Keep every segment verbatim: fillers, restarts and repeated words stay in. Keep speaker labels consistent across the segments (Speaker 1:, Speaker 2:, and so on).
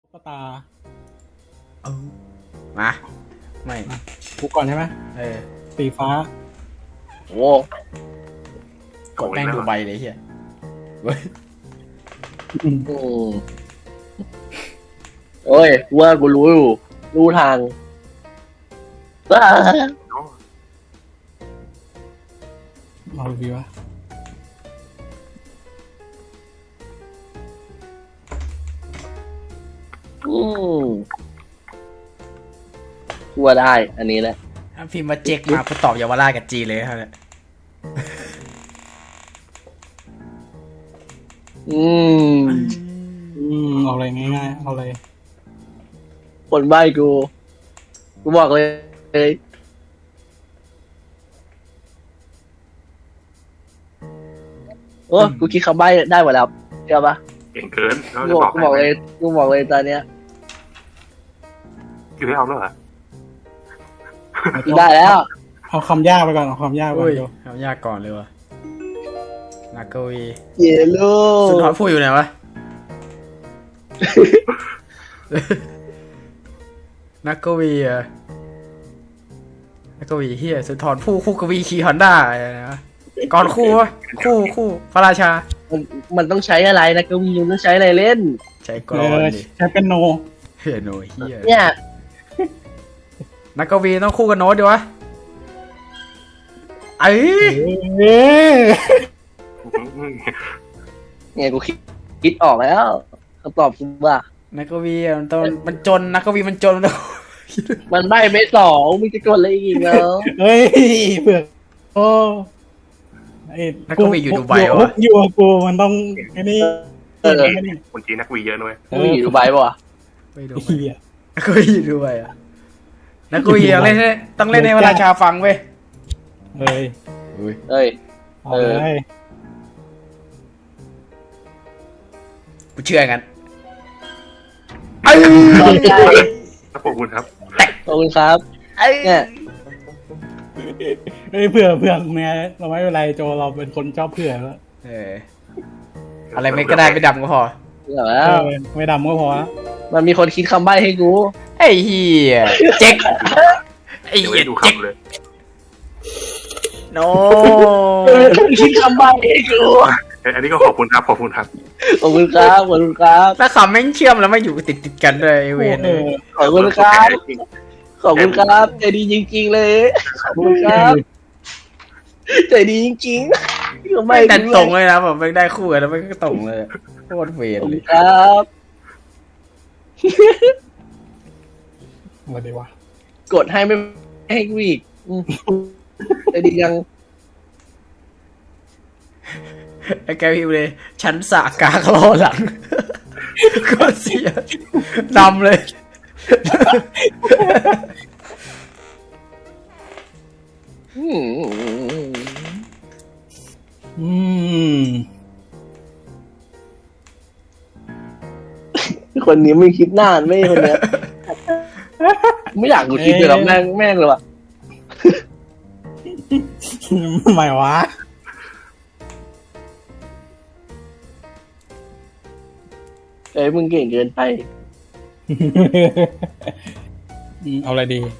Speaker 1: ก็ตา
Speaker 2: เออมาไม่
Speaker 1: กูก่อนใช่ไหม
Speaker 2: เออ
Speaker 1: สีฟ้า
Speaker 3: โอ้
Speaker 2: กดแม่งดูใบเลยเฮียเว้ย
Speaker 3: อืมโอ้ยว่ากูรู้อยู่รู้ทางว้า
Speaker 1: เอาดีวะ
Speaker 3: อืมกูว่าได้อันนี้แหละ
Speaker 2: พิมพ์มาเจ๊กมากูตอบเยาวราชกับจีเลยครับเนี่ย
Speaker 3: อืม
Speaker 1: อืมเอาอะไรง่ายๆเอาอะไร
Speaker 3: คนใบ้กูกูบอกเลยโอ้กูคิดคำใบ้ได้หมดแล้วเชื่อปะ
Speaker 4: เก่งเกิน
Speaker 3: กูบอกกูบอกเลยกูบอกเลยตอนเนี้ย
Speaker 4: อยู่ให้เอาแล้วเหรอ
Speaker 3: ได้แล้ว
Speaker 1: เอาคำยากไปก่อนเอาคำยากไปก่อนดู
Speaker 2: เอายากก่อนเลยวะนักกวี
Speaker 3: เยลโล่
Speaker 2: สุนทรภู่อยู่ไหนวะนักกวีอะนักกวีเฮียสุนทรภู่คู่กวีขี่ฮอนด้าอะไรนะก่อนคู่วะคู่คู่พระราชา
Speaker 3: มันมันต้องใช้อะไรนะก็มีต้องใช้อะไรเล่น
Speaker 2: ใช้กรอนดิ
Speaker 1: ใช้เป็นโน
Speaker 2: เฮียโนเฮีย
Speaker 3: เนี่ย
Speaker 2: นักกวีต้องคู่กับโน้ตดิวะเอ้ย
Speaker 3: ไงกูคิดคิดออกแล้วคำตอบกูว่า
Speaker 2: นักกวีมันตอนมันจนนักกวีมันจนมัน
Speaker 3: มันใบ้ไม่สองมึงจะกดอะไรอีกเนาะ
Speaker 1: เฮ้ยเผือกโอ้
Speaker 2: นักกวีอยู่ดูไบวะ
Speaker 1: อยู่กูมันต้องไอ้นี่
Speaker 3: เออ
Speaker 4: คนจีนนักวีเยอะด้วย
Speaker 3: นักวีอยู่ดูไบป่ะ
Speaker 2: ไม่ดูนักกวีอยู่ดูไบอ่ะนักกวีต้องเล่นต้องเล่นให้พระราชาฟังเว้ย
Speaker 1: เฮ้ย
Speaker 3: เฮ้ย
Speaker 1: เออ
Speaker 2: กูเชื่องั้น
Speaker 4: ขอบคุณครับ
Speaker 3: ขอบคุณครับเนี่ย
Speaker 1: เฮ้ยเผื่อเผื่อเนี่ยเราไม่เป็นไรโจเราเป็นคนชอบเผื่อแล้ว
Speaker 2: เอออะไรไม่ก็ได้ไม่ดำก็พอ
Speaker 1: ไม่ดำก็พอ
Speaker 3: มันมีคนคิดคำใบ้ให้กู
Speaker 2: ไอ้เหี้ยเจ๊กไอ้เหี้ยเจ๊กโน้
Speaker 3: คิดคำใบ้ให้กู
Speaker 4: อันนี้ก็ขอบคุณครับขอบคุณครับ
Speaker 3: ขอบคุณครับขอบคุณครับ
Speaker 2: ถ้าคำแม่งเชื่อมแล้วไม่อยู่ติดติดกันเลยเวน
Speaker 3: ขอบคุณครับขอบคุณครับใจดีจริงๆเลยขอบคุณครับใจดีจริงๆ
Speaker 2: ไม่แต่ตรงเลยนะผมไม่ได้คู่กันแล้วไม่ก็ตรงเลยโคตรเวนเลย
Speaker 3: ครับ
Speaker 1: มาดีวะ
Speaker 3: กดให้ไม่ให้วีกใจดียัง
Speaker 2: ไอ้แกพิมพ์เลยชั้นสากากรอหลังก็เสียนำเลย
Speaker 3: อืม
Speaker 1: อืม
Speaker 3: คนนี้ไม่คิดนานไม่คนเนี้ยไม่อยากกูคิดเลยหรอกแม่งแม่งเลยว่ะ
Speaker 1: ไม่วะ
Speaker 3: เอ้ยมึงเก่งเกินไป
Speaker 1: เอาอะไรดี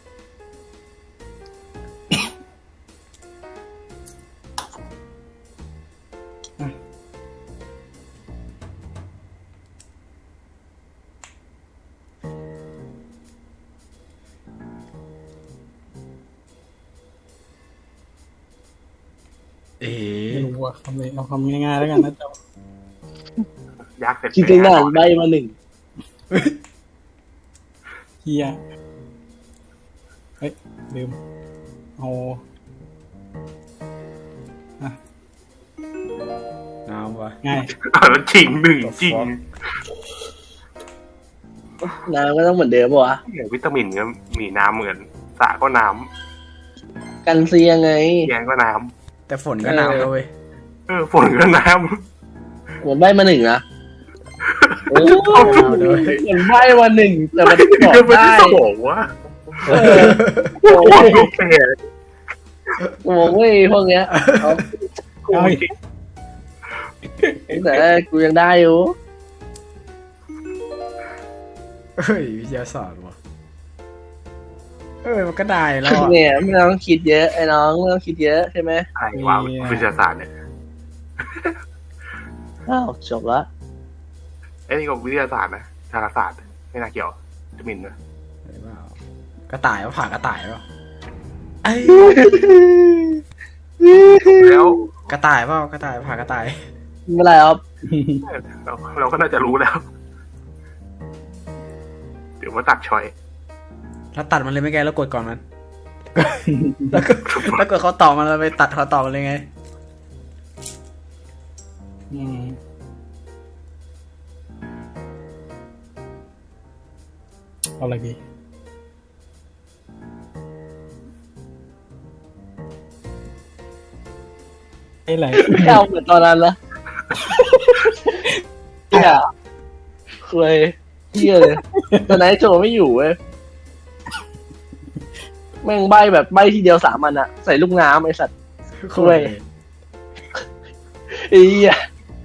Speaker 2: เอ๋
Speaker 1: ไม่รู้ว่าคำนี้เอาคำง่ายๆแล้วกันนะเจ้
Speaker 4: ายากเสร็จ
Speaker 3: คิดตั้งนานใบมาหนึ่ง
Speaker 1: เฮียเฮ้ยลืมเอา
Speaker 2: น้ำวะ
Speaker 1: ง่าย
Speaker 4: แล้วจริงหนึ่งจริง
Speaker 3: น้ำก็ต้องเหมือนเดิมป่ะวะ
Speaker 4: วิตามินก็มีน้ำเหมือนสระก็น้
Speaker 3: ำกันเซียไง
Speaker 4: แยงก็น้
Speaker 2: ำแต่ฝนก็น้ำเลย
Speaker 4: เออฝนก็น้
Speaker 3: ำผมใบมาหนึ่งนะโอ้ยผมใบมาหนึ่งแต่มันบอกได้
Speaker 4: บอกว่า
Speaker 3: โอ้ยโอ้ยพวกเนี้ยแต่กูยังได้อยู่
Speaker 2: เฮ้ยวิทยาศาสตร์วะเออมันก็ได้แล้วอะ
Speaker 3: เนี่ยไม่ต้องคิดเยอะไอ้น้องไม่ต้องคิดเยอะใช่ไหม
Speaker 4: อะไรวะวิทยาศาสตร์เนี่ย
Speaker 3: อ้าวจบละ
Speaker 4: ไอ้นี่ก็วิทยาศาสตร์นะดาราศาสตร์ไม่น่าเกี่ยวจะมินนะ
Speaker 2: เห็นเปล่ากระต่ายวะผ่ากระต่ายเปล่าไอ้
Speaker 4: แล้ว
Speaker 2: กระต่ายเปล่ากระต่ายผ่ากระต่าย
Speaker 3: ไม่เป็นไรครับ
Speaker 4: เราเราก็น่าจะรู้แล้ว เดี๋ยวมาตัดชอย
Speaker 2: แล้วตัดมันเลยไม่ไงแล้วกดก่อนมัน แล้วก็แล้วกดเขาตอบมันแล้วไปตัดเขาตอบมันเลยไง
Speaker 1: อืมเอาอะไรดีไอ้ไหน
Speaker 3: ไม่เอาเหมือนตอนนั้นละเนี่ยเคยเที่ยเลยตอนนั้นโจไม่อยู่เว้ยแม่งใบแบบใบทีเดียวสามอันอะใส่ลูกน้ำไอ้สัตว์ คุย ไอ้เหี้ย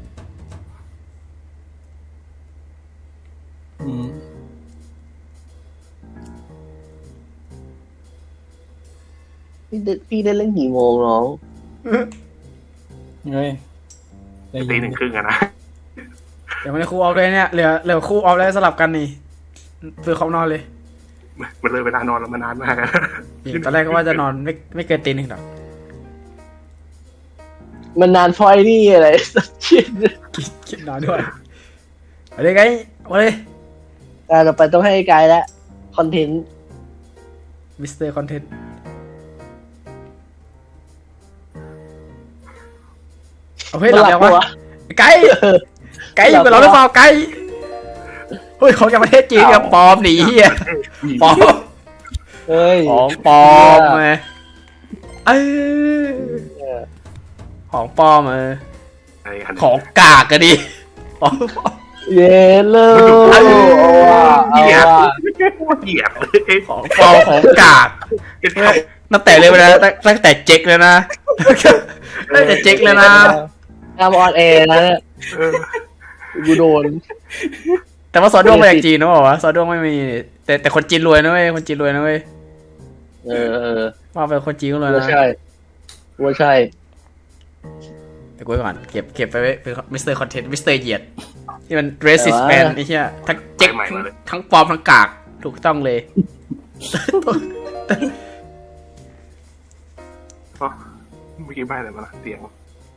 Speaker 1: อืม
Speaker 3: พี่ได้พี่ได้เล่นกี่โมงน้อง
Speaker 1: เฮ้ยใจ
Speaker 4: ตี
Speaker 1: เย็น
Speaker 4: หนึ่งครึ่งอะนะ
Speaker 2: เดี๋ยวมันจะคู่ออฟเลยเนี่ยเหลือเหลือคู่ออฟแล้วสลับกันนี่เพื่อเขานอนเลย
Speaker 4: มันเลยเวลานอนแล้วมานานมากอะ
Speaker 2: จริงตอนแรกก็ว่าจะนอนไม่ไม่เกินตีหนึ่งหรอก
Speaker 3: มันนานพอยนี่อะไรสักชิ้น
Speaker 2: คิดคิดนอนด้วยเอาเลยไงเอาเลย
Speaker 3: แต่ต่อไปต้องให้ไกด์แล้วคอนเทนต์
Speaker 2: มิสเตอร์คอนเทนต์เอาเฮ้ยหลับแล้ววะไก่ไก่อยู่กับเราหรือเปล่าไก่เฮ้ยของจากประเทศจีนกับปลอมหนีเฮียปลอม
Speaker 3: เฮ้ย
Speaker 2: ของปลอมไงเอ้ยของปลอมเออ
Speaker 4: อะไรกัน
Speaker 2: ของกากกันดิของปลอม
Speaker 3: เย้เลยเอาว่ะเอา
Speaker 4: เหยียบ
Speaker 3: ว่ะ
Speaker 4: เหยียบเลย
Speaker 2: ของปลอมของกากตั้งแต่เลยนะตั้งตั้งแต่เจ๊กเลยนะตั้งแต่เจ๊กเลยนะ
Speaker 3: ทำออนแอร์นะเนี่ย
Speaker 4: เออ
Speaker 3: กูโดน
Speaker 2: แต่ว่าซอสด้วงมาจากจีนนะบอกว่าซอสด้วงไม่มีแต่แต่คนจีนรวยนะเว้ยคนจีนรวยนะเว้ย
Speaker 3: เออเออ
Speaker 2: ว่าไปคนจีนก็รวย
Speaker 3: ว่า
Speaker 2: นะ
Speaker 3: ใช่ว่าใช่
Speaker 2: แต่กูไว้ก่อนเก็บเก็บไปไว้เป็นมิสเตอร์คอนเทนต์มิสเตอร์เหยียดที่มัน racist man ไอ้เหี้ยทั้งเจ๊กทั้งปลอมทั้งกากถูกต้องเลย
Speaker 4: อ๋อเมื่อกี้ใบอะไรมาล่ะเตียง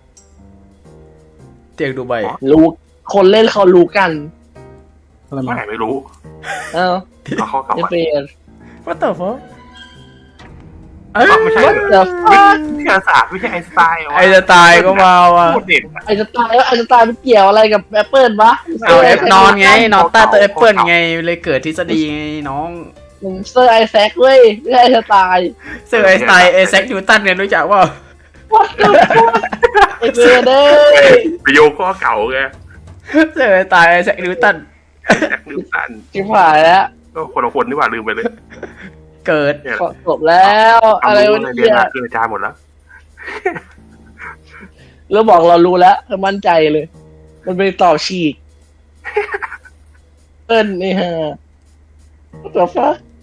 Speaker 2: เตียงดูใบ
Speaker 3: รู้คนเล่นเขารู้กัน
Speaker 1: อะไรมา
Speaker 4: ไม่ไม่รู้
Speaker 3: เอ้า
Speaker 4: เอาข้อเก่า
Speaker 3: จะ
Speaker 4: มา
Speaker 3: เป็น
Speaker 2: ว่าแต่ฟอเอ้ย
Speaker 4: ไม่ใช่
Speaker 3: What the fuck
Speaker 4: วิทยาศาสตร์ไม่ใช่ไอน์สไตน์
Speaker 2: ไอจะตายก็มาว่ะ
Speaker 4: โคตรเด็ดอะ
Speaker 3: ไอจะตายแล้วไอจะตายมันเกี่ยวอะไรกับแอปเปิลวะ
Speaker 2: เอาแอปนอนไงนอนใต้ตัวแอปเปิลไงเลยเกิดทฤษฎีไงน้อง
Speaker 3: มึงเซอร์ไอแซคเว้ยไม่ใช่ไอจะตาย
Speaker 2: เซอร์ไอน์สไตน์ไอแซคนิวตันเนี่ยรู้จักว่า
Speaker 3: ไอเบเด้
Speaker 4: ไปโยกข้อเก่าไง
Speaker 2: เซอร์ไอน์สไตน์ไอแซคนิวตัน
Speaker 4: แจ็คนิวตัน
Speaker 3: ชิบหายแล้ว
Speaker 4: ก็คนละคนนี่หว่าลืมไปเลย
Speaker 2: เกิด
Speaker 4: เนี่ย
Speaker 3: ขอจบแล้วอะไร
Speaker 4: รู้
Speaker 3: วะ
Speaker 4: ใน
Speaker 3: เนี่
Speaker 4: เรียน
Speaker 3: ย
Speaker 4: มาคืออาจารย์หมดแล้ว
Speaker 3: แล้วบอกเรารู้แล้วมั่นใจเลย มันไปต่อฉีกเปิ้ลนี่ฮะตัวฟ้า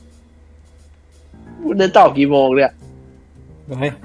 Speaker 3: มันจะตอบกี่โมงเนี่ย
Speaker 1: เฮ้ย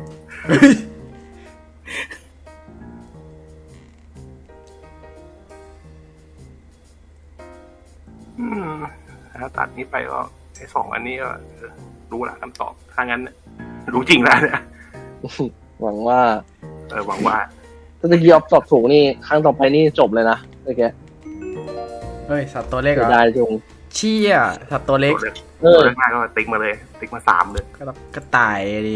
Speaker 4: อืมถ้าตัดนี้ไปก็ไอ้สองอันนี้ก็เออรู้ละคำตอบถ้างั้นเนี่ยรู้จริงแล้วเนี่ย
Speaker 3: หวังว่า
Speaker 4: เออหวังว่า
Speaker 3: ถ้าตะกี้ออฟตอบถูกนี่ครั้งต่อไปนี่จบเลยนะโอเค
Speaker 2: เฮ้ยสัตว์ตัวเล็กเหร
Speaker 3: เสี
Speaker 2: อย
Speaker 3: ดายจง
Speaker 2: เชี่ยสัตว์ตัวเล็ก
Speaker 4: ตัวเล็ก
Speaker 3: เออ
Speaker 4: ตัวเล็กมากก็ติ๊กมาเลย ติ๊กมาสามเลย
Speaker 2: ก็ต้องกระต่ายดิ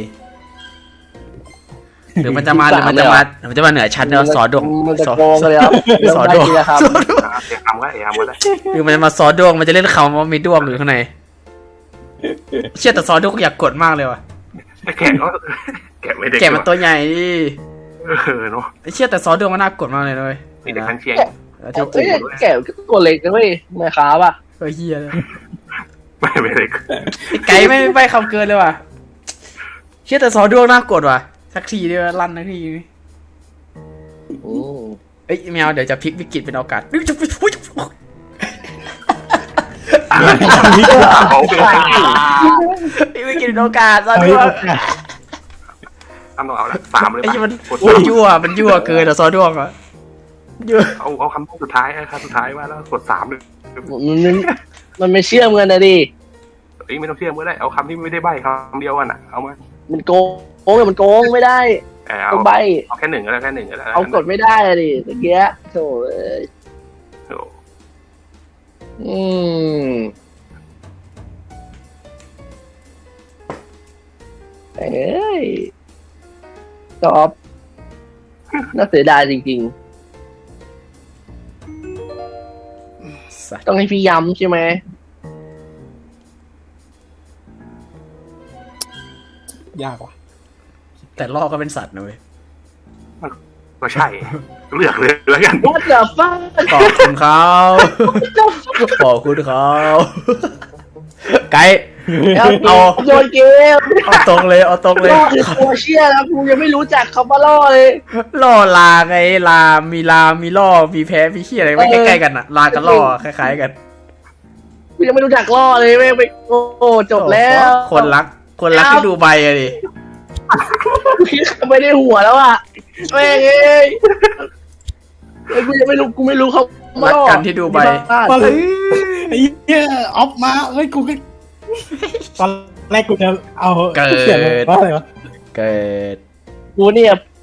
Speaker 2: หรือมันจะมาหรือมันจะมาหรือมันจะมาเหนือชั้นเนาะสอดวง
Speaker 3: มันจะ
Speaker 2: สอ
Speaker 3: โกงกันเลยครับ
Speaker 2: สอดวง
Speaker 3: เริ่มได้ทีละครับ
Speaker 4: อ่ะเดี๋ยวทำก็เดี๋ยวทำก็ได้
Speaker 2: หรือมันจะมาซอดวงมันจะเล่นคำว่ามีดวงอยู่ข้างในเชี่ยแต่ซอดวงอยากกดมากเลยว่ะ
Speaker 4: แต่แกะก็แกะไม่ได้
Speaker 2: แกะมันตัวใหญ่ดิ
Speaker 4: เออเนาะ
Speaker 2: ไอ้เชี่ยแต่ซอดวงมันน่ากดมากเลยนะเว้ย
Speaker 4: มีแต่ทั้งเชียง
Speaker 2: แล้ว
Speaker 3: แก
Speaker 2: ที่
Speaker 3: ะแกะตัวเล็กนะเว้ยไม่ค้าป่ะ
Speaker 2: เฮ้ยเฮียเลย
Speaker 4: ไม่ไม่ได้
Speaker 2: ไอ้ไก่ไม่ไม่คำเกินเลยว่ะเชี่ยแต่ซอดวงน่ากดว่ะสักทีเดียวลั่นสักที
Speaker 3: อืม
Speaker 2: เอ้ยแมวเดี๋ยวจะพลิกวิกฤตเป็นโอกาสนี่จะไปอุ้ย
Speaker 4: อเอาไปให้
Speaker 2: พี่ไม่กินโอกาสซะ
Speaker 1: เอา
Speaker 2: ด้
Speaker 1: อี
Speaker 2: ว
Speaker 1: ก
Speaker 2: ย
Speaker 4: ทำต้องเอาละสามเลย
Speaker 2: ไอ้ที่มัน
Speaker 4: กด
Speaker 2: มันยั่วมันยั่วเกินอะซอด้วงอะยั่ว
Speaker 4: เอาเอาคำสุดท้ายคำสุดท้ายมาแล้วกดสามเลย
Speaker 3: มันมันมันไม่เชื่อมกันนะดิ
Speaker 4: เอ้ยไม่ต้องเชื่อมก็ได้เอาคำที่ไม่ได้ใบคำเดียวกันอ่ะเอามา
Speaker 3: มันโกงโกงมันโกงไม่ได้
Speaker 4: เออเอา
Speaker 3: ต้องใบ
Speaker 4: เอาแค่หนึ่งก็ได้แค่หนึ่งก็ได้
Speaker 3: เอากดไม่ได้อะดิตะเกียะโถ่เอ้ย
Speaker 4: โอ้
Speaker 3: อืมเอ้ยตอบน่าเสียดายจริงๆ ต้องให้พี่ย้ำใช่ไหม
Speaker 1: ยากว่ะ
Speaker 2: แต่ลอกก็เป็นสัตว์นะเว้ย
Speaker 4: ก็ใช่เลือกเลยแล้วกัน
Speaker 3: What the fuck
Speaker 2: ขอบคุณเขาขอบคุณเขาไกด์
Speaker 3: เอา
Speaker 2: เอา
Speaker 3: โยนเกม
Speaker 2: เอาตรงเลยเอาตรงเลย
Speaker 3: ล่อคือตัวเชี่ยแล้วกูยังไม่รู้จักคำว่าล่อเลย
Speaker 2: ล่อลาไงลา มีลา มีล่อ มีแพ้ มีขี้ยอะไรไม่ใกล้ๆกันอะลากับล่อคล้ายๆกัน
Speaker 3: กูยังไม่รู้จักล่อเลยไม่งไปโอ้โหจบแล้ว
Speaker 2: คนรัก คนรักที่ดูใบอะดิ
Speaker 3: ไม่ได้หัวแล้วอ่ะแม่งเอ้ยเอ้ยกูยังไม่รู้กูไม่รู้เขา
Speaker 2: รักกันที่ดูใบ
Speaker 1: มาเลยไอ้เหี้ยออฟมาเฮ้ยกูก็ตอนแรกกูจะเอา
Speaker 2: เกิด
Speaker 1: เขียนเลยว่าอะไรวะ
Speaker 2: เกิด
Speaker 3: กูเนี่ย